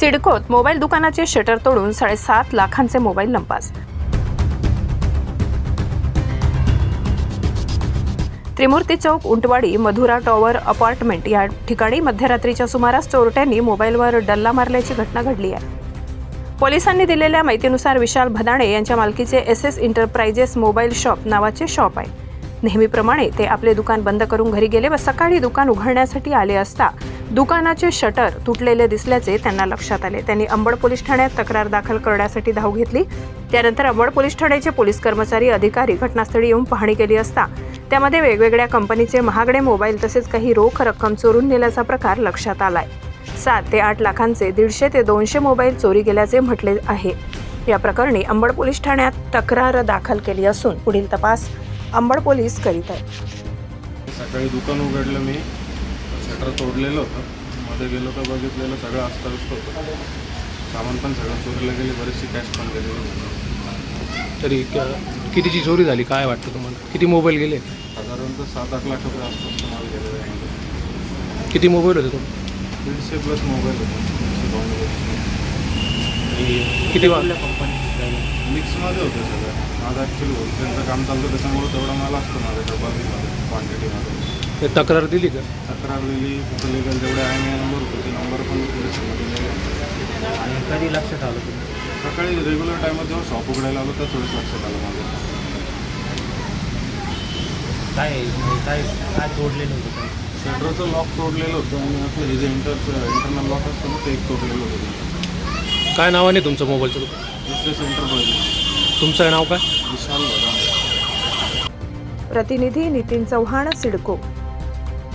सिडकोत mobile दुकानाचे shutter तोडून 7.5 लाखांचे मोबाईल लंपास। त्रिमूर्ती चौक, उंटवाडी, मधुरा टॉवर अपार्टमेंट या ठिकाणी मध्यरात्रीच्या सुमारास चोरट्यांनी मोबाईलवर डल्ला मारल्याची घटना घडली आहे। पोलिसांनी दिलेल्या माहितीनुसार विशाल भदाणे यांच्या मालकीचे SS एंटरप्राइजेस मोबाईल शॉप नावाचे शॉप आहे। नेहमीप्रमाणे ते आपले दुकान बंद करून घरी गेले व सकाळी दुकान उघडण्यासाठी आले असता दुकानाचे शटर तुटलेले दिसल्याचे त्यांना लक्षात आले। त्यांनी अंबड पोलीस ठाण्यात तक्रार दाखल करण्यासाठी धाव घेतली। त्यानंतर अंबड पोलीस ठाण्याचे पोलीस कर्मचारी अधिकारी घटनास्थळी येऊन पाहणी केली असता त्यामध्ये वेगवेगळ्या कंपनीचे महागडे मोबाईल तसेच काही रोख रक्कम चोरून नेल्याचा प्रकार लक्षात आलाय। 7 ते 8 लाखांचे 150 ते 200 मोबाईल चोरी गेल्याचे म्हटले आहे। या प्रकरणी अंबड पोलीस ठाण्यात तक्रार दाखल केली असून पुढील तपास अंबड पोलीस करीत आहेत। सकाळी दुकान उघडलं, मी शटर तोडलेलं होतं, मध्ये गेलो तर बघितलेलं सगळं अस्ताव्यस्त होतं, सामान पण सगळं चोरीला गेले, बरेचशी कॅश पण गेलेली। तरी कितीची चोरी झाली काय वाटतं तुम्हाला? किती मोबाईल गेले? साधारणतः 7-8 लाख रुपये आसपास माल गेलेला आहे। किती मोबाईल होते तुम्ही? 150+ मोबाईल होते। किती मिक्समध्ये होतं सगळं। माझं ॲक्च्युली होलसेलचं काम चालतं, त्याच्यामुळे तेवढा माल असतो माझ्याकडे बल्कमध्ये, क्वांटिटीमध्ये। तक्रार दिली का? तक्रार दिली, कुठं लिगल जेवढे आहे नंबर होते ते नंबर पण पोलिसांना दिले। आणि कधी लक्षात आलं तुम्ही? सकाळी रेग्युलर टायमात जेव्हा शॉप उघडायला आलो तर थोडंच लक्षात आलं माझं। काय तोडलेलं होतं? शटरचं लॉक तोडलेलं होतं आणि आपलं हे जे इंटरनल लॉक असतं ना ते एक तोडलेलं होतं। काय नावाने तुमचं मोबाईलचं दुकान? SS enterprises. तुमचं नाव काय? विशाल भदाणे। प्रतिनिधी नितीन चव्हाण, सिडको।